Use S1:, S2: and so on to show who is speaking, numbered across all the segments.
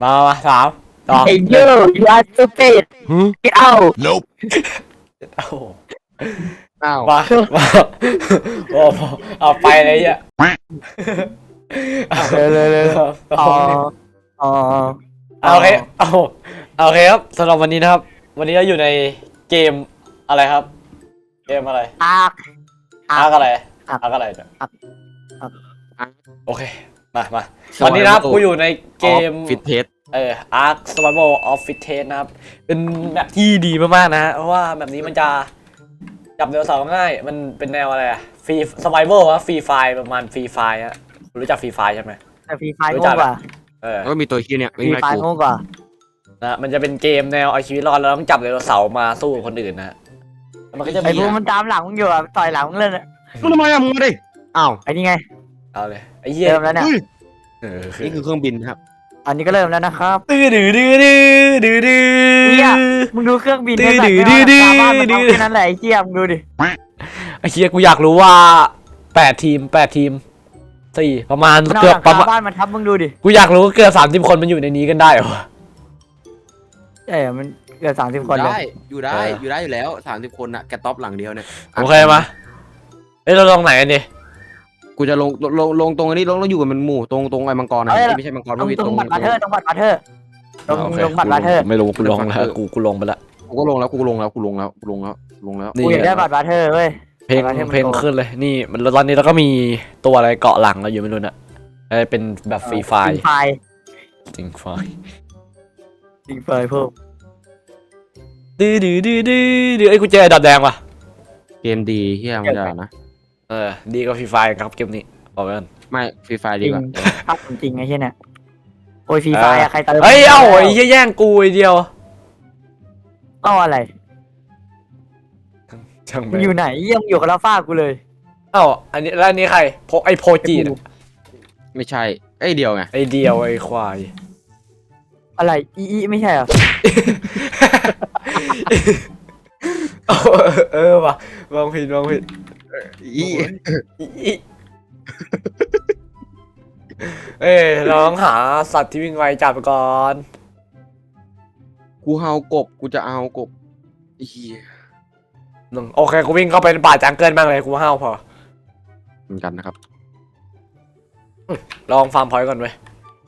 S1: มาสามสอง
S2: Hey you are stupid get out
S3: Nope.
S1: โอ้โห
S4: อ้าว
S1: มาโอ้เอาไปเลยอ่ะ
S2: เลยอ๋ออ๋อ
S1: โอเคโอเคครับสำหรับวันนี้นะครับ วันนี้เราอยู่ในเกมอะไรครับ เกมอะไร
S2: อาร์ค
S1: อาร์กอะไร
S2: อาร์ค
S1: อาร์กอะไรเนี่ย
S2: อาร์ค
S1: โอเคมาวันนี้นะครับกูอยู่ในเกม
S4: ฟิตเทส
S1: Ark Survival of Fit Test นะครับเป็นแมปที่ดีมากๆนะฮะเพราะว่าแบบนี้มันจะจับไดโนเสาร์ง่ายมันเป็นแนวอะไรอะฟรี Survival อะฟรีไฟประมาณฟรีไฟอะคุณรู้จักฟรีไฟใช่ไหม
S2: แต่ฟรีไฟโง่กว่า
S4: แล้วก็มีตัวขี้เนี่ย
S2: ฟ
S4: วิ่ง
S2: รี
S4: ไล่
S2: ไฟ
S4: กู
S2: โง่กว่า
S1: นะมันจะเป็นเกมแนวเอาชีวิตรอดแล้วต้องจับไดโนเสาร์มาสู้กับคนอื่นนะฮะแล้วมันก็จะ
S2: ไอ้
S1: มี
S2: พวกมันตามหลังมึงอยู่อ่ะต่อยหลังมึงเลย
S4: มึงทำไมอะมึงมาดิอ้าว
S2: ไอ้นี่ไง
S1: เอาเลยไอ้เหี้ย
S2: เริ่มแล้วเนี่ย
S4: นี่คือเครื่องบินครับ
S2: อันนี้ก็เริ่มแล้วนะครับ
S1: ดื้อ
S2: เนี่ยมึงดูเครื่องบินเนี่ยแบบชาวบ้านมันทำแค่นั้นแหละไอ้เจี๊ยมึงดูดิ
S1: ไอ้เหี้ยกูอยากรู้ว่า8 ทีม4ประมาณ
S2: มันเอา
S1: เกื
S2: ห
S1: อบ
S2: ลัง
S1: ประ
S2: คา
S1: มาณ
S2: บ้านมันทับมึงดูดิ
S1: กูอยากรู้ว่าเกือบ30 คนมันอยู่ในนี้กันได้เหรอ
S2: ใช่มันเกือบ30 คนเลย
S4: ได้อยู่ได้อยู่แล้ว30 คนอะแกท็อปหลังเดียวเนี่ย
S1: โอเคมาเอ้ยเราลงไหนกันดิ
S4: กูจะลงตรงอันนี้ลงอยู่กับมันหมู่ตรงไอ้มังกรนะไม่ใช่มังกร
S2: ตรง
S4: พี่
S2: ตรงบัตรบาเทอร์ตรงบัตรบาเทอร์ตรง
S1: โอเค
S2: บัตรบาเทอร์
S1: ไม่รู้กูลงแล้วกูลงไปแล้ว
S4: กูก็ลงแล้ว
S1: นี่
S2: กูอยากได้บัตรบาเทอร์เว้ย
S1: เพลง
S2: บัตรบาทอร์มัน
S1: เพลง
S2: โก
S1: ขึ้นเลยนี่มันตอนนี้เราก็มีตัวอะไรเกาะหลังเราอยู่ไม่รู้น่ะเป็นแบบฟรีไฟ
S2: ฟรีไฟ
S1: จริงไฟ
S2: ฟรีไฟพวก
S1: ดื้อไอ้ยกูเจอดาบแดงว่ะ
S4: เกมดีเฮียมันจะนะ
S1: ดีกว่าฟรีไฟครับเกมนี้บอกไว้ก่อน
S4: ไม่ฟรีไฟ
S2: จ
S4: ดี
S2: ริง
S4: กว่า
S2: ภาพจริงไอ้เหี้ยเนี่ยโอ้ยฟรีไฟอะใครเติม
S1: เฮ้ยเอ้าไอ้เหี้ยแย่งกูไอ้เดียว
S2: เอ้าอะไร
S1: ช่าง
S2: มึ
S1: แม่
S2: ง
S1: ง
S2: อยู่ไหนเยี่ยมอยู่กับลาฟ้ากูเลย
S1: เอ้าอันนี้แล้วอันนี้ใครไอ้โพจีน่ะ
S4: ไม่ใช่ไอ้เดียวไง
S1: ไอ้เดียวไอ้ควาย
S2: อะไรอีไม่ใช่เหรอ
S1: ว่ะมองผิด
S4: อี
S1: เอ้ยเราต้องหาสัตว์ที่วิ่งไวจับก่อน
S4: กูเฮากบกูจะเอากบเฮีย
S1: โอเคกูวิ่งเข้าไปในป่าจังเกิลบ้างเลยกูห้าวพอ
S4: เหมือนกันนะครับ
S1: ลองฟาร์มพอยต์ก่อนเว้ย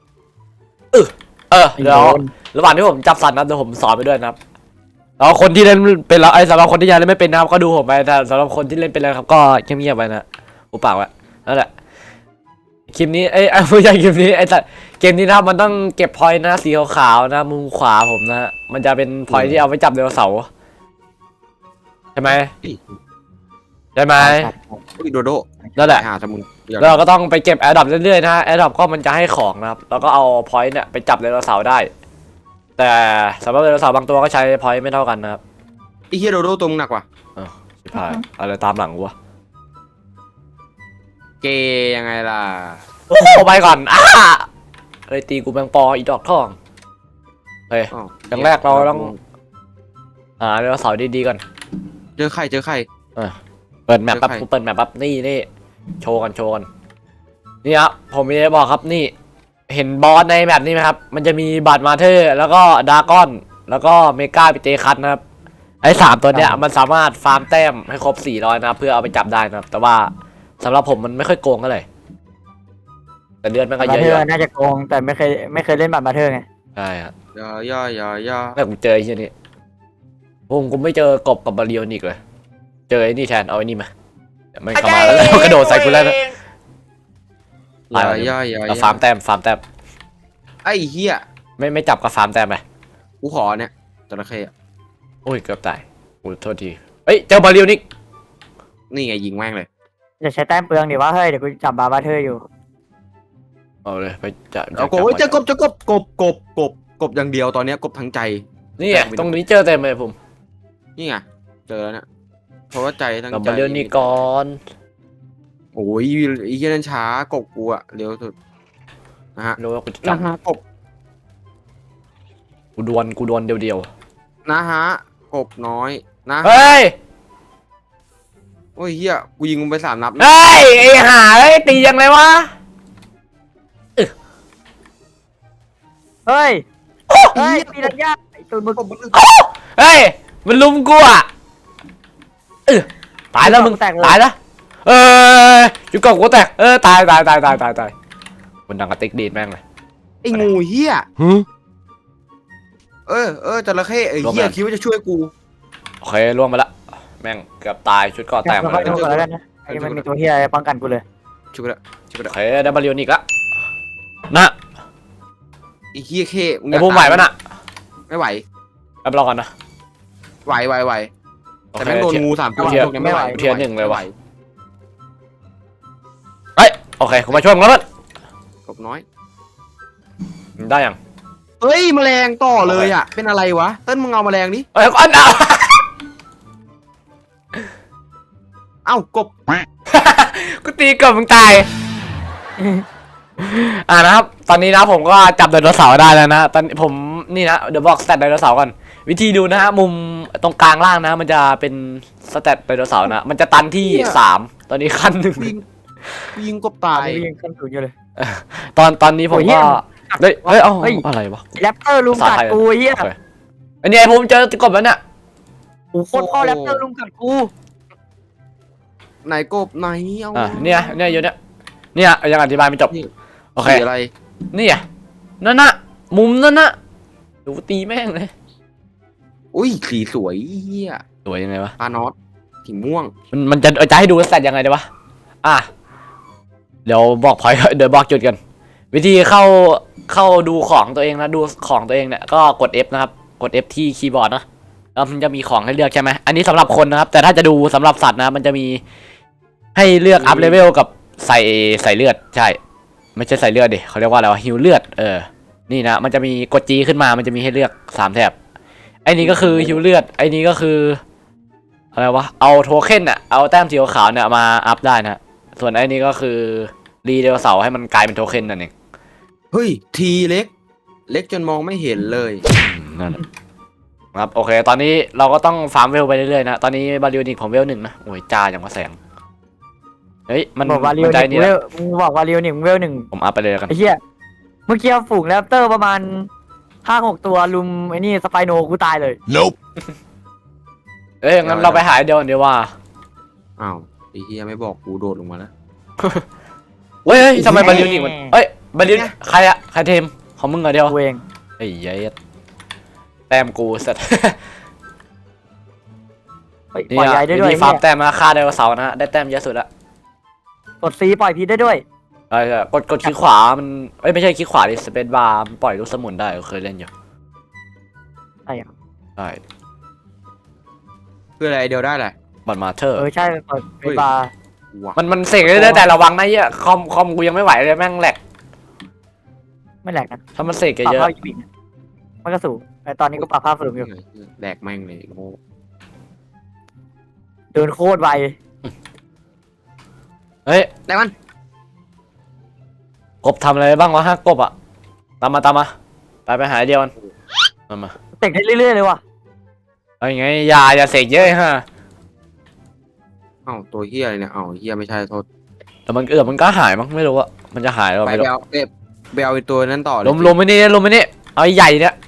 S1: เดี๋ยวระหว่างที่ผมจับสัตว์นะเดี๋ยวผมสอนไปด้วยนะครับแล้วคนที่เล่นเป็นแล้วสำหรับคนที่ยังเล่นไม่เป็นนะครับก็ดูผมไปแต่สำหรับคนที่เล่นเป็นแล้วครับก็เงียบๆไปนะอุปากไว้นั่นแหละคลิปนี้ไม่ใช่คลิปนี้แต่เกมนี้นะครับมันต้องเก็บพอยต์นะสีขาวๆนะมุมขวาผมนะมันจะเป็นพอยต์ที่เอาไว้จับไดโนเสาร์ใช่ไหม
S4: อุ้ยโดโด
S1: นั่นแหละ
S4: หาสมุน
S1: แล้วเราก็ต้องไปเก็บแอร์ดรอปเรื่อยๆนะฮะแอร์ดรอปก็มันจะให้ของนะครับแล้วก็เอาพอยต์เนี่ยไปจับไดโนเสาร์ได้ แต่สำหรับไดโนเสาร์บางตัวก็ใช้พอยต์ไม่เท่ากันนะครับ
S4: ไอ้เฮียโดโดตัวมึงหนักว่ะ
S1: ชิบหายอะไรตามหลังวะ
S4: เกยังไงล่ะ
S1: โอ้โหไปก่อนเลยตีกูแมงปออีดอกทองเฮ้ย อย่างแรกเราต้อง หาไดโนเสาร์ดีๆก่อน
S4: เจอใคร
S1: เปิดแมปปั๊บ
S4: เจอใคร
S1: กูเปิดแมปปั๊บนี่โชว์กันนี่ครับผมมีอะไรบอกครับนี่ เห็นบอสในแมปนี้ไหมครับมันจะมีบัตรมาเธอร์แล้วก็ดากอนแล้วก็เมกาปิเตคัสนะครับไอ้3ตัวเนี้ยมันสามารถฟาร์มแต้มให้ครบ400นะครับเพื่อเอาไปจับได้นะครับแต่ว่าสำหรับผมมันไม่ค่อยโกงเท่าไหร่แต่เลือดมันก็
S2: บา
S1: เย
S2: เทอร์
S1: อะ
S2: น่าจะโกงแต่ไม่เคยเล่นบัตรบาเทอร์ไง
S1: ใช่ครับ
S4: ย่อ
S1: แม่กูเจอไอ้เหี้ยนี่ผมไม่เจอกบกับบาเรียนอีกเลยเจอไอ้นี่แทนเอาไอ้นี่มาไม่เข้ามาแล้วกระโดดใส่กูแล้วนะ
S4: ย่อ
S1: ฟาร์มแต้ม
S4: ไอ้เฮีย
S1: ไม่จับกับฟาร์มแต้มไป
S4: กูขอเนี่ยจระเข้
S1: โอ้ยเกือบตายโอ้โทษทีเฮ้ยเจอบาเรียนอีก
S4: นี่ไงยิงแม่งเลย
S2: อย่าใช้แต้มเปลืองดิว่าเฮ้ยเดี๋ยวกูจับบาเทอร์อยู่
S1: เอาเลยไปจับ
S4: เอากบเจอกบอย่างเดียวตอนนี้กบทั้งใจ
S1: นี่ตรงนี้เจอเต็มเลยผม
S4: นี่ไงเจอแล้วเนี่ยเพราะว่าใจทั้ง
S1: กั
S4: ใจ
S1: บาเรียนนี่ก่อน
S4: โอ้ยไอ้เหี้ยนั่นช้ากบกูอะเร็วสุดนะฮะ
S1: รู้ว่ากูจะจับ
S4: กบ
S1: กูดวลเดียว
S4: นะฮะกบน้อยนะ
S1: เฮ้ย
S4: โอ้ยเฮียกูยิงมึงไป3 นัด
S1: เฮ้ยไอ้ห่าเฮ้ยตียังไงวะ
S2: เฮ้ยเฮ้ยปีนัญญาไอ้ตูนมึง
S1: เฮ้ยมันลุมกูอ่ะตายแล้วมึงตายแล้วอยู่กับกูแตกตายมันดังกระติกดีดแม่งเลย
S4: ไอ้งูเฮียจระเข้ไอ้เฮียคิดว่าจะช่วยกู
S1: โอเคล่วงมาละแม่งเกือบตายชุดก่อแตกหมด
S2: ไป
S1: เลย
S2: ดูก่อนแล้วกันนะไอ้มันมีตัวเฮียอะไรป้องกันกูเลย
S4: ช่วยกูละช่วยกู
S1: โอ
S4: ละ
S1: เคได้บาริโอนิกละนะ
S4: ไอ้เฮียเข้มึง
S1: ไอ้ภูมิไหวปะน่ะ
S4: ไม่ไหว
S1: ไปรอก่อนนะ
S4: ไหวแต่แม่งโดนงู3 ตัวเนี่ยไม่ไหว
S1: เทียร์หนึ่งเลยว่ะเฮ้ยโอเคกูมาช่วยมึงแล้วมั้ง
S4: กบน้อย
S1: ได้ยัง
S4: เฮ้ยแมลงต่อเลยอ่ะเป็นอะไรวะเต้นมึงเอาแมลงดิ
S1: เอ้ยอันเอา
S4: เอ้ากบ
S1: กูตีกับมึงตายนะครับตอนนี้นะผมก็จับไดโนเสาร์ได้แล้วนะตอนผมนี่นะเดี๋ยวบอกสแตทไดโนเสาร์ก่อนวิธีดูนะฮะมุมตรงกลางล่างนะมันจะเป็นสแตทไดโนเสาร์นะมันจะตันที่3ตอนนี้ขั้นหนึ่ง
S4: ยิงกบตาย
S2: ยังขึ้นสูงอยู่เลย
S1: ตอนนี้ผมก็เฮ้ยเอ้าอะไรวะ
S2: แรปเตอร์ลุมกัดกูเฮีย
S1: อันนี้ผมเจอกบแล้วเนี่ย
S2: โอ้โคตรพ่อแรปเตอร์ลุมกัดกู
S4: ไหนกบไหนเอา
S1: เนี่ยอยู่เนี่ยยังอธิบายไม่จบโอเค
S4: อะไร
S1: นี่นั่นน่ะมุมนั่นน่ะดูตีแม่งเลย
S4: อุ้ยสีสวยเฮีย
S1: สวยยังไงวะ
S4: ปลานอตสีม่วง
S1: มันจะให้ดูสแตทยังไงดีวะเดี๋ยวบอกพอยเดี๋ยวบอกจุดกันวิธีเข้าดูของตัวเองนะดูของตัวเองเนี่ยก็กด F นะครับกด F ที่คีย์บอร์ดนะแล้วมันจะมีของให้เลือกใช่ไหมอันนี้สำหรับคนนะครับแต่ถ้าจะดูสำหรับสัตว์นะมันจะมีให้เลือกอัพเลเวลกับใส่เลือดใช่ไม่ใช่ใส่เลือดดิเขาเรียกว่าอะไรวะฮิวเลือดนี่นะมันจะมีกด G ขึ้นมามันจะมีให้เลือก3แถบไอ้นี้ก็คือฮิวเลือดไอ้นี้ก็คืออะไรวะเอาโทเค็นอะเอาแต้มสีขาวเนี่ยมาอัพได้นะส่วนไอ้นี้ก็คือรีเดลเสาให้มันกลายเป็นโทเค็นนั่นเอง
S4: เฮ้ยทีเล็กจนมองไม่เห็นเลย
S1: นั่นครับโอเคตอนนี้เราก็ต้องฟาร์มเวลไปเรื่อยๆนะตอนนี้บาริโอนิกผมเวล1นะโอ้ยจ้าอย่างว่าแสงเฮ้ยมัน
S2: บอกว่าเรียว
S1: ใจ
S2: หนึ่
S1: นี่
S2: งเว
S1: นะ
S2: ลมึงบอกว่าเรียวหนึ่งเวลหนึ่ง
S1: ผมอัพไปเลยกัน
S2: ไอ้เหี้ยเมื่อกี้ฝูงแรปเตอร์ประมาณ5-6 ตัวลุมไอ้นี่สไปโนกูตายเลย
S1: เอ้ยงั้นเราไปหาเดียวกันเดียวว่า
S4: อ้าวไอ้เฮียไม่บอกกูโดดลงมาแล้ว
S1: เฮ้ยทำไมบาริโอนิกมันเอ้ยบาริโอใครอะใครเทมของมึงเหรอเดียว
S2: กูเอง
S1: ไอ้ยัยแต้มกูสัตว์
S2: ปล่อยใหญ่ได้ด้วย
S1: ฟาร์มแต้มนะฆ่าไดโนเสาร์นะได้แต้มเยอะสุดละ
S2: กดซีปล่อยพีได้ด้วย
S1: ใช่กดคลิกขวามันไม่ใช่คลิกขวาดิสเปซบาร์ปล่อยลูกสมุนได้เคยเล่นอยู่
S2: ใช่เหรอ
S1: ใช่
S4: เพื่ออะไรเดียวได้แหละ
S1: บัตรมาเธอร์
S2: ใช่เปิดเป็นบาร์
S4: ว้า
S1: มันเสกได้แต่ระวังนะเหี้ยคอมกูยังไม่ไหวเลยแม่งแหลก
S2: ไม่แหลกนะ
S1: ถ้ามันเสก
S2: ปรับ
S1: เยอะ
S2: ภาพอีกนะมันก็สูงแต่ตอนนี้ก็ปรับภาพสูงอยู่
S4: แดกแม่งเลยโง่
S2: เดินโคตรไว
S1: เฮ้ย
S4: แดกมัน
S1: กบทำอะไรบ้างวะฮะกบอะตามมาไปหาเดียวกันมา
S2: เตะได้เรื่อยๆเลยว่ะ
S1: เอาอย่างไงอย่าเสกเยอะฮะ
S4: เอ้าตัวเฮียอะไรเนี่ยเอ้าเฮียไม่ใช่โทษ
S1: แต่มันก็หายมั้งไม่รู้อะมันจะหายหรือ
S4: ไป
S1: ไม่รู้
S4: เอาไปเอาไอ้ตัวนั้นต่อเลย
S1: ลมไปนี่เอาใหญ่เนี่ย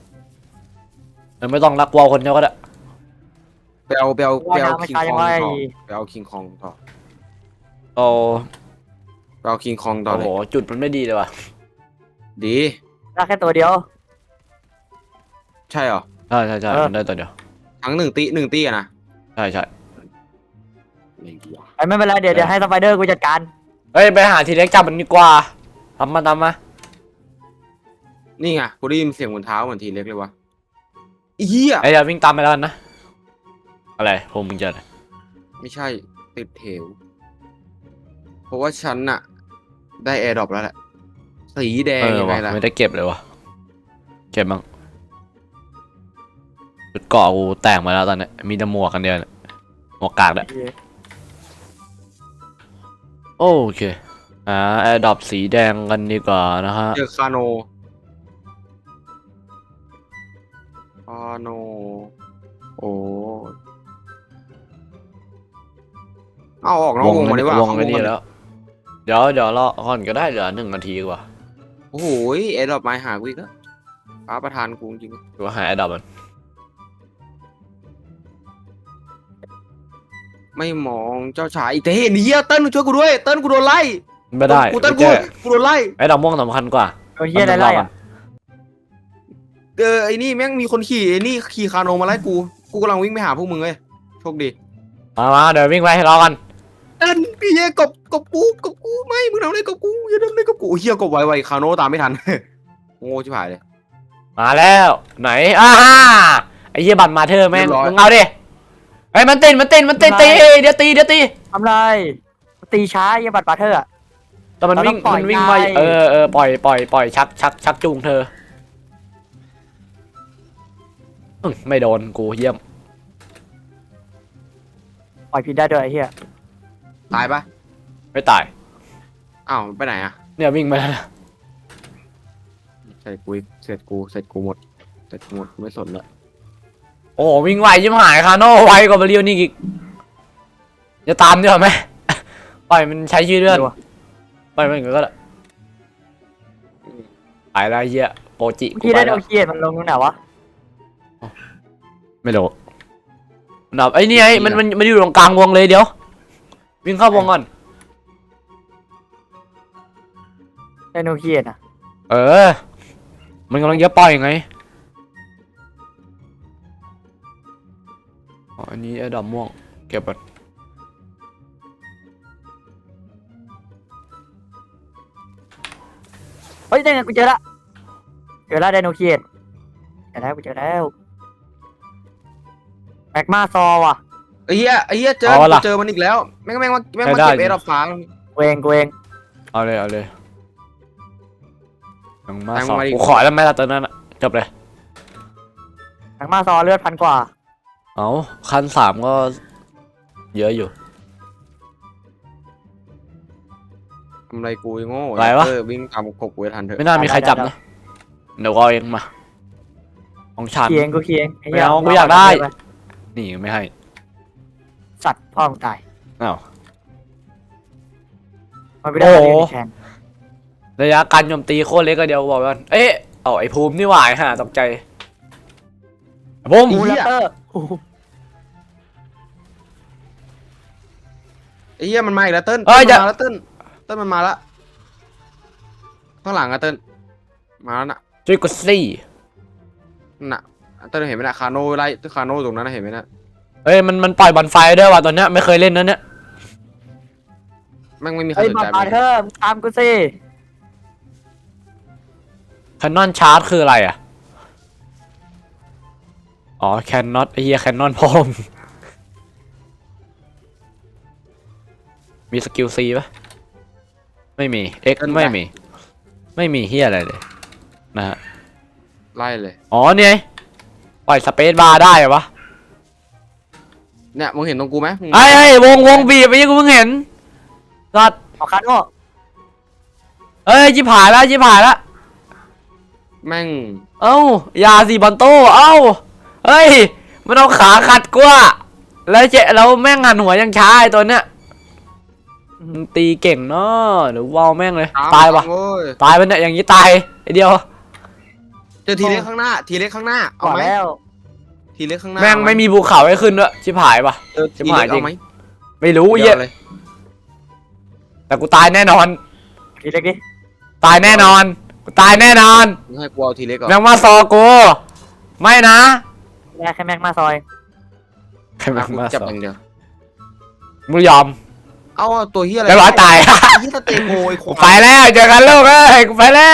S1: ไม่ต้องรักวอลคนเดียวก็ได้
S4: ไปเอาคิงคองต่อ
S2: ไม่
S4: ไปเอาคิงคองต่อ
S1: เอา
S4: ไปเอาคิงคองต่อ
S1: โอ้
S4: เล
S1: โห
S4: ย
S1: จุดมันไม่ดีเลยว่ะ
S4: ดี
S2: ได้แค่ตัวเดียว
S4: ใช่เหรอ
S1: ใช่มันได้ตัวเดียว
S4: ทั้งหนึ่งตีอะนะ
S1: ใช่
S4: อะไรวะ
S2: ไม่เป็นไรเดี๋ยวให้สไปเดอร์กูจัดการ
S1: เฮ้ยไปหาทีเล็กจับมันดีกว่าตามมา
S4: นี่ไงกูได้ยินเสียงบนเท้าเหมือนทีเล็กเลยวะเฮีย
S1: ไอ้เดี๋ยววิ่งตามไปแล้วกันนะอะไรพวกมึงจะอะไร
S4: ไม่ใช่ติดเถวเพราะว่าฉันน่ะ ได้แอร์ดรอปแล้วแหละสีแดงยังไง
S1: วะ
S4: ล่ะ
S1: ไม่ได้เก็บเลยวะเก็บบ้างจุดเกาะกูแตกมาแล้วตอนนี้มีแต่หมวกกันเดียวเนี่ยหมวกกากเนี่ยโอเคแอร์ดรอปสีแดงกันดีกว่านะฮะ
S4: เจอคาโนโอ้เอาออกนอกวงมาดีกว่าว
S1: งไปนี่แล้ว เดี๋ยวรอก่อนก็ได้เหลือ1 นาทีกว่า
S4: โอ้โหแอร์ดรอปมาหากูอีกแล้วฟ้าประทานกูจริง
S1: หรือว่าหายไอ้ดอกมัน
S4: ๆไม่มองเจ้าชายอีเต้หนีเติ้ลช่วยกูด้วยเติ้ลกูโดนไล่
S1: ไม่ได้
S4: กูเติ้ล
S1: ไม่
S4: กู
S1: แก้
S4: กูโดนไล่
S1: ไอ้ดอกม่วงสำคัญกว่า
S2: โดนเฮียอะไรไล่อะ
S4: ไอ้นี่แม่งมีคนขี่ไอ้นี่ขี่คาโนมาไล่กูกำลังวิ่งไปหาพวกมึงเลยโชคดี
S1: มาเดี๋ยววิ่งไปให้รอกัน
S4: เติ้ลพี่เหี้ยกบกูไม่มึงทำอะไรกับกูอย่าทำอะไรกับกูเฮียกบไวคาโนตามไม่ทัน โง่ชิบหายเลย
S1: มาแล้วไหนไอ้เหี้ยบัตรมาเธอแม่ง
S4: เรียบร้อย
S1: มึงเอาดิไอ้ยมันตีเดี๋ยวตี
S2: ทำไรตีช้าเฮียบัตรปาเธอร์อะ
S1: แต่มันวิ่ง
S2: เราต้องปล่อย
S1: มันวิ่ง
S2: ไง
S1: มาปล่อยชักจูงเธอไม่โดนกูเยี่ยม
S2: ปล่อยผิดได้ด้วยไอ้เฮีย
S4: ตายปะ
S1: ไม่ตาย
S4: อ้าวไปไหนอะ
S1: เนี่ยวิ่งมาแล้วนะ
S4: ใส่กูอีกเสร็จกูหมดกูไม่สนละ
S1: โอ้วิ่งไวยิ่งหายคาโน่ไวกว่าเบลิวนี่อีกจะตามดีกว่าไหม ปล่อยมันใช้ชื่อเลื่อนปล่อยมันอย่างนั้นก็ได้ไปแล้วเหี้ยโปจิ
S2: เมื่อ
S1: กู
S2: กี้
S1: ไป
S2: ได้
S1: แล้
S2: โด
S1: วน
S2: เคียดมันลงตรงไหนวะ
S1: ไม่รู้ดับไอ้นี่ไอ้มันอยู่ตรงกลางวงเลยเดี๋ยววิ่งเข้าวงก่อน
S2: ได้โดนเคียดอะ
S1: มันกำลังจะปล่อยไงอ๋ออันนี้ไอ้ดำม่วงเก็บก่อน
S2: เฮ้ยได้ไงกูเจอละไดโนเคียดเจอแล้วแมกมาซอว่ะ
S4: ไอ้เหี้ยเจอมันอีกแล้วแม่งมาเก็บเอดอฟ้า
S2: กูเอง
S1: เอาเลยยังมา
S4: แทง
S1: สอง
S4: มาดิ
S1: กูขอแล้วไม่ละตอนนั้นอะจบเลย
S2: แมกมาซอเลือด1,000 กว่า
S1: เอาคัน3ก็เยอะอยู่
S4: ทำไรกูโง่
S1: อะไรวะ
S4: วิ่งตามกบกูทันเถอะ
S1: ไม่น่ามีใครจับนะเดี๋ยวก็เอาเองมาของฉัน
S2: เคียงไอ้เหี้
S1: ไม่เอากูอยากได้ นี่ไม่ให้
S2: สัตว์พ่อมึงตาย
S1: อ้าว
S2: มันไม่ได้
S1: โอ้
S2: มา
S1: โห
S2: เรียนแข่ง
S1: ระยะการโจมตีโคตรเล็กก็เดียวบอกกันเอ๊ะเอาไอ้ภูมินี่หว่าฮะตกใจภูมิ
S2: บูลเตอร์
S4: ไอ้เหี้ยมันมาอีกแล้วเติ้ลเติ้ลมันมาละข้างหลังอะเติ้ลมาแล้วน่ะ
S1: ช่วยกดซี่
S4: น่ะเติ้ลเห็นไหมน่ะคาโน่ไล่คาโน่ตรงนั้นเห็นไหมน่ะ
S1: เอ้ยมันปล่อยบอลไฟด้วยว่ะตอนเนี้ยไม่เคยเล่นนะเนี่ย
S4: แม่งไม่มีใคร
S2: เฮ้ย
S4: สน
S2: บัต
S4: ใจ
S2: รปาเธอร์มึงตามกูสิ
S1: แคนนอนชาร์จคืออะไรอ่ะอ๋อแคนนอตไอ้เหี้ยแคนนอนพอมมีสกิลซีปะไม่มี X ไม่มีเฮียอะไรเลยนะฮะ
S4: ไล่เลย
S1: อ๋อเนี่ยปล่อยสเปซบาร์ได้เหรอวะ
S4: เนี่ยมึงเห็นตรงกูไหม
S1: ไอ้วงบีบไปยังกูเพิ่งเห็นสัตว์
S2: เอาคันโน่
S1: เอ้ยจิบหายแล้ว
S4: แม่ง
S1: เอ้ายาสีบอลโต้เอ้าเฮ้ยมันเอาขาขัดกูอะแล้วแม่งหันหัวยังช้าไอ้ตัวเนี้ยมันตีเก่งเนาะเดี๋ยววาวแม่งเลยตายวะ
S4: โว้ย
S1: ตายไปเนี่ยอย่างนี้ตายไอเดียว
S4: เจอทีเล็กข้างหน้าเอา
S2: ก่อน
S4: ไหม
S2: แล้ว
S4: ทีเล็กข้างหน้า
S1: แม่งไม่มีภูเขาให้ขึ้นด้วยชิบหายปะ
S4: เจอทีเล็กเอาไหม
S1: ไม่รู้เหี้ย
S4: เลย
S1: แต่กูตายแน่นอน
S2: ทีเล็กดิ
S1: ตายแน่นอนกูตายแน่นอน
S4: มึงให้กูเอาทีเล็กก่อน
S1: แม่งมาซอกูไม่นะ
S2: แค่แม็กมาซอย
S1: ใครแม่ง
S4: กู
S1: มา
S4: จับ
S1: ซอ
S4: อย่างเดียว
S1: มึงยอม
S4: เอาตัวเฮียอะไร
S1: เรียบร้อยตาย
S4: ไอ้เฮียสเตโกไอ้ค
S1: กู
S4: วา
S1: ไป
S4: ย
S1: แล้วเจอกันลูกเอ้ยกูไปแล้ว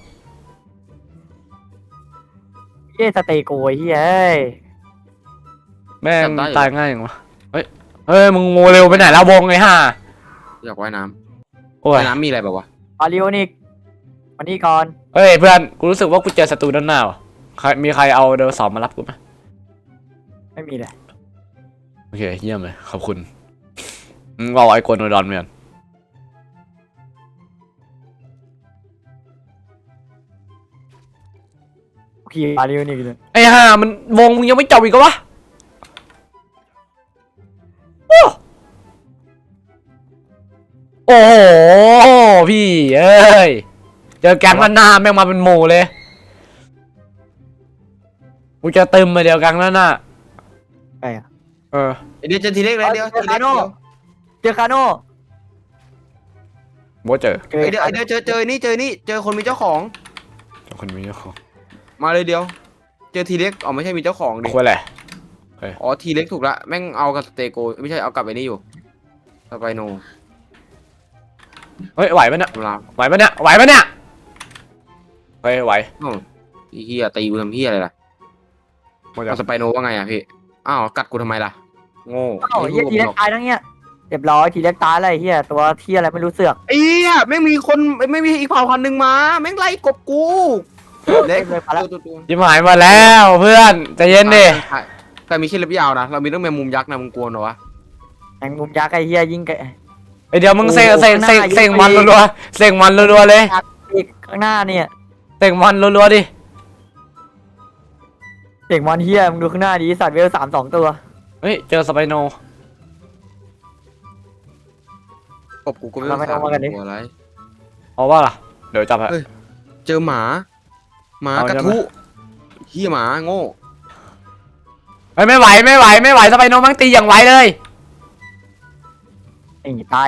S2: เย้สเตโกยเฮ้ย
S1: แม่งตายง่ายอย่างวะเฮ้ยมึงโมเร็วไปไหนแล้ววงไอ้ห่า
S4: อยากว่ายน้
S1: โอ้
S4: ำ
S1: ย
S4: ว่ายน้ำมีอะไรแบบวะ
S2: อาริโอนิกวันนี้ก่อน
S1: เฮ้ยเพื่อนกูรู้สึกว่ากูเจอศัตรูด้านหน้าว่ะมีใครเอาเดลสองมารับกูไหม
S2: ไม่มีเลย
S1: โอเคเยี่ยมเลยขอบคุณมึงเอาไอ้โกนโดดอนเหมือน
S2: ขี่อาริโอนิกเลย
S1: ไอ้ห่ามันวงมึงยังไม่จบอีกเหรอวะโอ้โอ้โหพี่เอ้ยเจอแก๊งด้านหน้าแม่งมาเป็นหมู่เลยกูจะตึมมาเดียวกันแล้วน่ะ
S2: ไอ้อะ
S1: เออ
S4: เดี๋ยวเจอทีเล็กเลยเดี๋ยวทีเล็กเดี๋ยว
S2: เจอคาโน่
S1: บ่เจอ
S4: เดี๋ยวเจอนี่เจอคนมีเจ้าของ
S1: คนมีเจ้าของ
S4: มาเลยเดียว เจอทีเล็กอ๋อไม่ใช่มีเจ้าของดิ
S1: คุยอะไร
S4: อ๋อทีเล็กถูกละแม่งเอากับสเตโกไม่ใช่เอากับไอ้นี่อยู่สไปโน
S1: เฮ้ยไหวปะเนี่ย
S4: ตำรา
S1: ไหวปะเนี่ยไหวปะเนี่ยเฮ้ยไหว
S4: อ้าวไอ้เฮียตีกูทำเฮียอะไรล่ะ
S1: บ่จะ
S4: เอาสไปโนว่าไงอ่ะพี่อ้าวกัดกูทำไมล่ะโง่
S2: เอ้าเฮียทีเล็กตายทั้งเนี้ยเรียบร้อยทีเล็กตายอะไรเฮียตัวที่อะไรไม่รู้เสือก
S4: ไอ้เฮียแม่งมีคนไม่มีอีกเผ่าพันธุ์หนึ่งมาแม่งไล่กบกูเล็ก
S2: เลยพาแล้ว
S4: ตัว
S1: ยิ้มหายมาแล้วเพื่อนใจเย็นดิ
S4: แต่มีแค่เล็บยาวนะเรามีต้องแมงมุมยักษ์นะมึงกลัวเหรอวะ
S2: แมงมุมยักษ์ไอ้เฮียยิงไก
S1: ไอเดี๋ยวมึงเสก
S2: โอ้
S1: เสก
S2: ข้างห
S1: เส
S2: น้าก
S1: เสก
S2: ยิง
S1: มัน
S2: ไป
S1: รัวๆเสกมันรัวๆเลย
S2: อีกข้างหน้าเนี่ย
S1: เสกมันรัวๆดิ
S2: เด็กมอนเฮียมึงดูข้างหน้าดิสัตว์เวล3 2 ตัว
S1: เฮ้ยเจอสไปโน
S4: กบกูก็ไม่
S2: เราไม่ต้องมากันดิ
S4: กลัวอะไร
S1: เอาว่าล่ะเดี๋ยวจับฮะ
S4: เฮ้ย เจอหมา
S1: เอาใช่
S4: กระ
S1: ไหม
S4: ทุเฮียหมาโง่
S1: เฮ้ยไม่ไหวสไปโนมันตีอย่างไวเลย
S2: ไอ้ตาย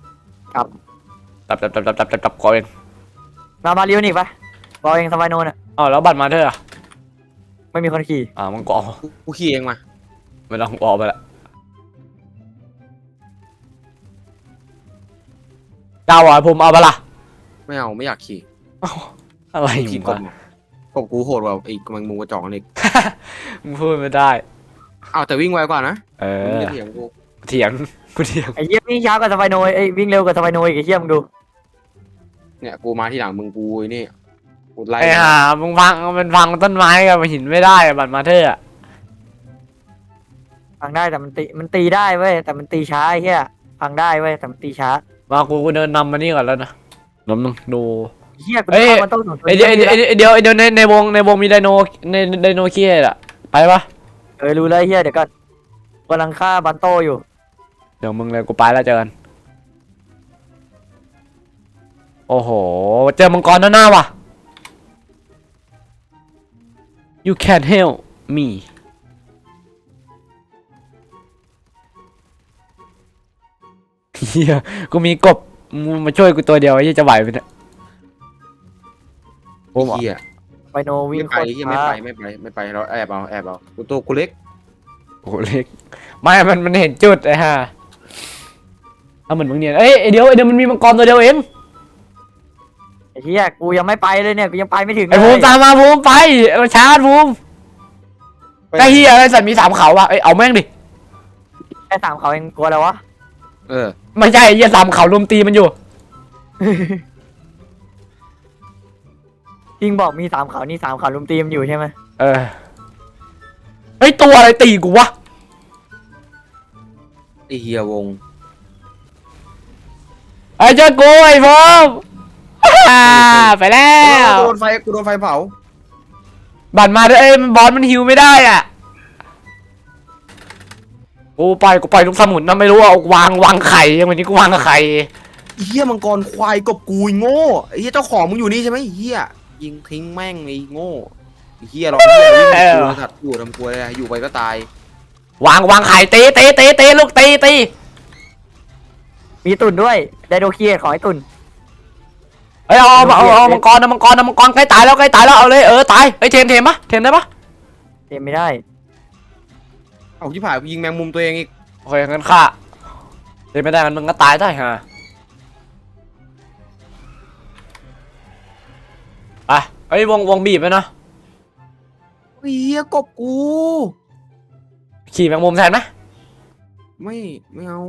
S1: จับกอเอง
S2: มาเลี้ยวนี่ปะบอลเองสบายโนนอ่ะ
S1: อ๋อแล้วบัตรมาเธออ่ะ
S2: ไม่มีคนขี่
S1: มึงก็เอา
S4: กูขี่เองมา
S1: ไม่ต้องออกไปละเจ้าอ่ะผมเอาไปละ
S4: ไม่เอาไม่อยากขี่
S1: อะไร
S4: ขี่
S1: มึง
S4: กบ
S1: วะ
S4: กบกูโหดกว่าไอ้กำลังมุงกระจอกนี่
S1: มึงพูดไม่ได้
S4: เอาแต่วิ่งไวกว่านะ
S1: เอ
S4: มึง
S1: อ
S4: จะเถียงกู
S1: เถียงกูเถียง
S2: ไอ้เฮียวิ่งช้ากว่าสบายโนไอ้วิ่งเร็วกว่าสบายโนอีกไอ้เฮียมึงดู
S4: เนี่ยกูมาที่หลังมึงกูไอ้นี่กูไล่
S1: ไอ้ห่ามึงพังต้นไม้กับหินไม่ได้อะบัตรมาเธออ่ะ
S2: ฟังได้แต่มันตีได้เว้ยแต่มันตีช้าไอ้เฮียฟังได้เว้ยแต่มันตีช้า
S1: มากูเดินนำมานี่ก่อนแล้วนะน้ำนึงดู
S2: เฮียกู
S1: เอ้ย
S2: เข้ามันต้องส่งตัว
S1: ไอเดียวในวงมีไดโนไดโนเคียอ่ะไปปะ
S2: รู้เลยเฮียเดี๋ยวก่อนกำลังฆ่าบันโตอยู่
S1: เดี๋ยวมึงเลยกูไปแล้วเจอกันโอ้โหเจอมังกรด้านหน้าว่ะ you can help me เฮียกูมีกบมึงมาช่วยกูตัวเดียวไอ้เหี้ยจะไหวไหมเนี่ยโอ้
S4: ไอ้
S1: โห
S4: เฮีย
S2: ไปโนวิ่
S4: ไม่
S2: ง
S4: ไป
S2: โคตร
S4: เฮีย
S2: ช้า
S4: ไม่ไปเราแอบเอากูตัวกูเล็ก
S1: โอ้โหเล็กไม่มันเห็นจุดไอ้ห่าเอาเหมือนมึงเนี่ยเอ้ยไอเดียวมันมีมังกรตัวเดียวเอง
S2: ไอ้เฮียกูยังไม่ไปเลยเนี่ยกูยังไปไม่ถึง
S1: ไอ้ภูมิตามมาภูมิไปเอาชาร์จภูมิไอ้เฮียไอ้สัตว์มี3เขาว่ะเอ้ยเอาแม่งดิ
S2: แค่3 เขาเองกลัวแล้ววะ
S4: เออ
S1: ไม่ใช่ไอ้เฮีย3เขารุมตีมันอยู่
S2: จริงบอกมี3 เขานี่3 เขาลุมตีมนอยู่ใช่ไหม
S1: เออไอ้ยตัวอะไรตีกูวะ
S4: ไอเฮียวง
S1: ไอ้เจ้ากูไอ้ภูมิไปแล้ว
S4: กูโดนไฟเผา
S1: บัตรมาด้วยเอ้ยบอสมันฮิวไม่ได้อ่ะกูปล่อยลูกสมุนนะไม่รู้อ่ะวางไข่ยังวันนี้กูวางไข่
S4: ไอ้เฮียมังกรควายกบกูไอ้โง่ไอ้เฮียเจ้าของมึงอยู่นี่ใช่ไหมไอ้เฮียยิงทิ้งแม่งไอ้โง่ไอ้เฮียเราเฮียวิ่งกูสัตว์อยู่ทำกลัวเลยอยู่ไปก็ตายว
S1: างไข่ตีลูกตี
S2: มีตุ่นด้วยไดโดเคียของไอ้ตุ่น
S1: เอ้ยเอามังกรใกล้ตายแล้วเอาเลยตายเอ้ยเทมปะเทมได้ปะ
S2: เต็มไม่ได้
S4: เอาที่ผ่านกูยิงแมงมุมตัวเองอีก
S1: โอเคงั้นฆ่าเทมไม่ได้มันมึงก็ตายได้ฮะไปเอ้ยวงบีบไปนะ
S4: ไอ้เฮียกบกู
S1: ขี่แมงมุมแทนไหม
S4: ไม่เอา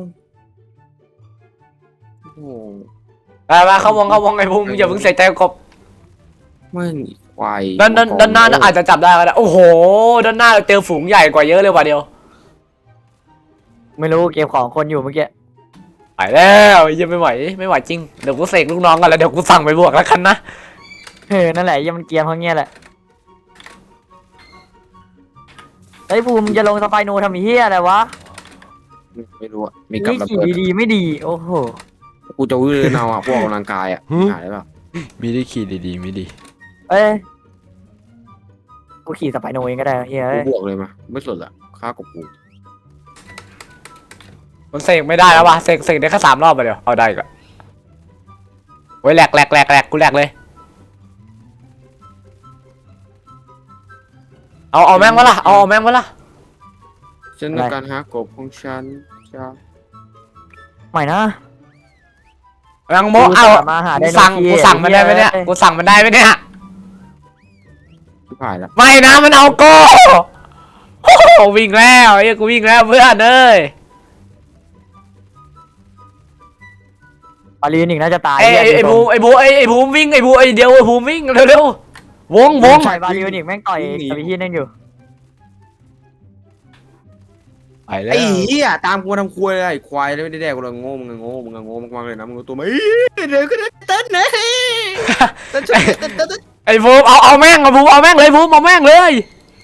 S4: โอ้โห
S1: ไปเข้าวงไอ้ภูมิอย่าเพิ่งเสียใจกบ
S4: ไม่ควาย
S1: ด้านหน้าอาจจะจับได้ก็ได้โอ้โหด้านหน้าเจอฝูงใหญ่กว่าเยอะเลยว่ะเดียว
S2: ไม่รู้เก็บของคนอยู่เมื่อกี้
S1: ไปแล้วยังไม่ไหวจริงเดี๋ยวกูเสกลูกน้องกันแล้วเดี๋ยวกูสั่งไปบวกแล้วกันนะ
S2: นั่นแหละยังมันเกียร์เพราะเงี้ยแหละไอ้ภูมิจะลงสไปโนทำเฮียอะไรวะ
S4: ไม่รู้อะมีกับ
S2: นี่
S4: ระ
S2: ขี่
S4: เบิด
S2: ดีๆไม่ดีโอ้โห
S4: กูจะวิ่งเอาอะพวกออกกำลังกายอะหายได้ป่ะ
S1: มีได้ขี่ดีๆไม่ดี
S2: เอ้ยกูกูขี่สไปโนเองก็ได้เฮีย
S4: กูบวกเลยมาไม่สนละฆ่ากบกู
S1: มันเสกไม่ได้แล้ววะเสกได้แค่3 รอบไปเดียวเอาได้ก็โอ้ยแหลกกูแหลกเลยเอาแม่งวะล่ะเอาแม่งวะล่ะ
S4: ฉันต้องการหากบของฉันจะ
S2: ใหม่นะ
S1: แมงโมเอา
S2: มาหาได
S1: กู
S2: โน
S1: สั่ง
S2: คี
S1: กูสั่งมันได้ไหมเนี่ยกูสั่งมันได้ไหมเนี่ย
S4: ชิบหายละ
S1: ไม่นะมันเอาโก้โอ้โหวิ่งแล้วไอ้กูวิ่งแล้วเพื่อนเอ้ย
S2: ปาลีนอีกน่าจะตาย
S1: ไอ้ภูมิวิ่งไอ้เดียวไอ้ภูมิวิ่งเร็ววง
S2: ใส่ปาลีนอีกแม่งต่อยสปิฮีนั่นอยู่
S1: ไปแล้ว
S4: ไอ้เหี้ยตามกูทำครัวเลยไอ้ควายไม่ได้แดกกูเลยโง่มึงโง่มากๆเลยนะมึงตัวไม่เดี๋ยวก็ได้เต้นนะเต้น
S1: ไอ้ภูมิเอาแม่งเอาภูมิเอาแม่งเลยภูมิเอาแม่งเลย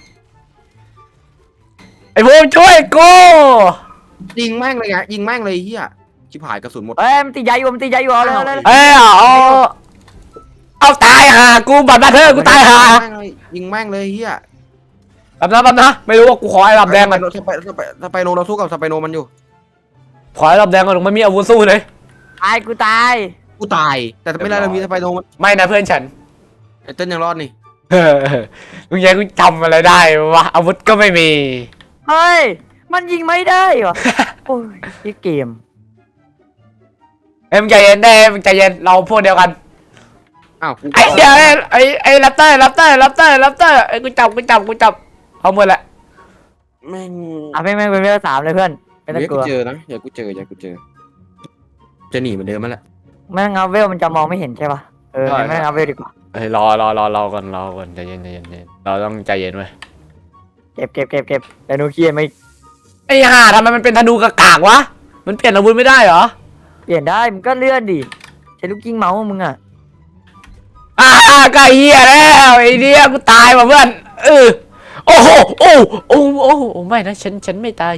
S1: ไอ้ภูมิช่วยกู
S4: ยิงแม่งเลยไงยิงแม่งเลยเหี้ยชิบหายกระสุนหมด
S2: เอ้ยมันตีใหญ่อยู่เอาเลย
S1: เอ้ยเอาตายห่ากูบัตรมาเธอกูตายห่า
S4: ยิงแม่งเลยเหี้ย
S1: แป๊บนะไม่รู้ว่ากูขอไอ้ลำแดงก่อน
S4: สไปโนเราสู้กับสไปโนมันอยู่
S1: ขอไอ้ลำแดงก่อนไม่มีอาวุธสู้เลย
S2: กูตาย
S4: กูตายแต่ไม่ได้เรามีสไปโนมัน
S1: ไม่นะเพื่อนฉัน
S4: ไอ้เต้นยังรอดนี่
S1: มึงยังกูจำอะไรได้วะอาวุธก็ไม่มี
S2: เฮ้ยมันยิงไม่ได้เหรอโอ้ยที่เกม
S1: เอ้ยมึงใจเย็นได้มึงใจเย็นเราพวกเดียวกัน
S4: อ้าว
S1: ไอ้เหี้ยไอ้แรปเตอร์ไอ้กูจับเอาหมดแหละ
S4: แม่ง
S2: แม่งเป็นเวล3เลยเพื่อนไม่ต้อง
S4: เดี๋ยว
S2: กลั
S4: กู
S2: ว
S4: เจอนะอย่ากูเจอจะหนีเหมือนเดิมมาแหละ
S2: แม่งเอาเวลมันจะมองไม่เห็นใช่ปะแม่งเอาเวลดีกว่า
S1: เฮ้ยรอก่อนใจเย็นเราต้องใจเย็นไว้
S2: เก็บแต่นูเคียไม่
S1: ไอ้ห่าทำไมมันเป็นธนูกากวะมันเปลี่ยนอาวุธไม่ได้เหรอ
S2: เปลี่ยนได้มึงก็เลื่อนดิใช้ลูกกิ้งเมาส์มึงอ่ะ
S1: ไก่เหี้ยแล้วไอ้เดียกูตายว่ะเพื่อนโอ้โหโอ้ไม่นะฉันไม่ตาย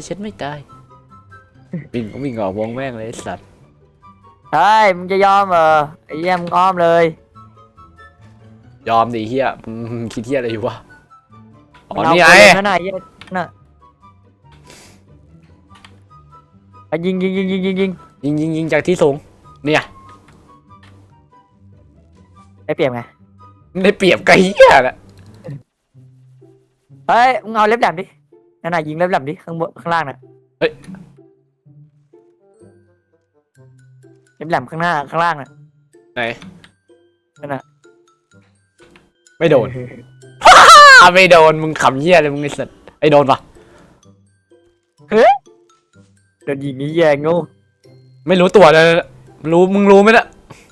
S1: วิ่งออกวงแม่งเลยไอ้สัตว์
S2: เฮ้ยมึงจะยอมเหรอไอ้เหี้ยมึงอ้อมเลย
S1: ยอมดิเฮียมึงคิดเฮียอะไรอยู่วะอ๋อ
S2: มั
S1: นี่
S2: เา
S1: ไง
S2: ปืนั่นน่ะเหี้ยน่ะยิง
S1: ยิงจากที่สูงเนี่ย
S2: ได้เปรียบไง
S1: ได้เปรียบไก่เฮียแหละ
S2: เฮ้ยมึงเอาเล็บแหลมดินั่นน่ะยิงเล็บแหลมดิข้างบนข้างล่างน่ะเล็บแหลมข้างหน้าข้างล่างน่ะ
S1: ไหน
S2: นั่นน่ะ
S1: ไม่โดนไม่โดนมึงขำเฮียเลยมึงไอ้สัตว์ไอ้โดนปะ
S2: โดนยิงนี่แย่งู
S1: ไม่รู้ตัวเลยมึงรู้ไหมล่ะ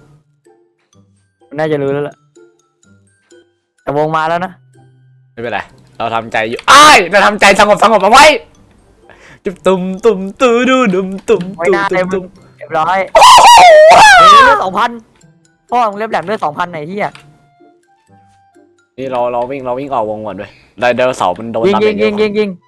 S2: น่าจะรู้แล้วล่ะแต่วงมาแล้วนะ
S1: ไม่เป็นไรเราทำใจอยู่เราทำใจสงบเอาไว้ตุ้มตื้อดุมตุ้ม
S2: ไว้หน้าเต็มเรียบร้อยเลือด2,000พ่อมึงเล็บแหลมเลือด2,000ไหนที่อ่ะ
S1: นี่เราวิ่งออกวงก่อนด้วยไดโนเสาร์มันโดน
S2: ยิง
S1: ตามอย่างเดียว
S2: ยิง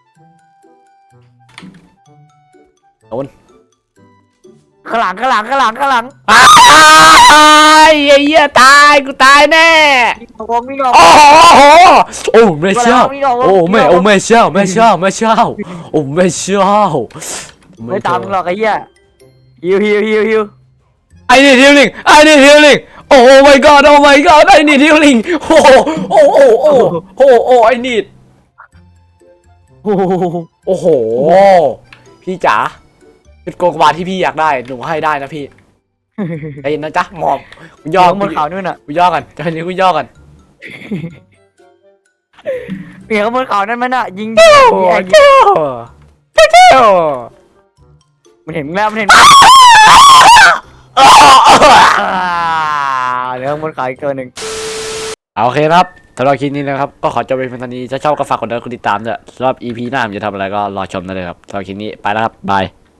S2: ข้างหลัง
S1: ไอ้เหี้ยตายกูตายแน่
S2: วิ่งออก
S1: โอ้ไม่เชื่อโอ้ไม่เชื่อโอ้ไม่เชื่อ
S2: ไม่ตามมึงหรอกไอ้เหี้ยฮิว
S1: ไอ้นี่ฮิลลิ่งโอ้ my god ไอ้นี่ฮิลลิ่งโอ้ไอ้นี่
S2: โอ้โห
S1: โอ้โหพี่จ๋าจุดโกงกวาที่พี่อยากได้หนูให้ได้นะพี่ไอ้นะจ๊ะหมอบกูย่อ
S2: บนเขานู่นน่ะ
S1: กูย่อกันตอนนี้กูย่อกัน
S2: เมียเขาบนเขานั่นมันน่ะยิง
S1: เจ้า
S2: มันเห็นแล้วเหลือบนเขาอีกตัวหนึ่ง
S1: โอเคครับสำหรับคลิปนี้นะครับก็ขอจบไปเพียงเท่านี้ถ้าชอบก็ฝากกดไลค์กดติดตามด้วยสำหรับ EP หน้าผมจะทำอะไรก็รอชมได้เลยครับสำหรับคลิปนี้ไปแล้วครับบาย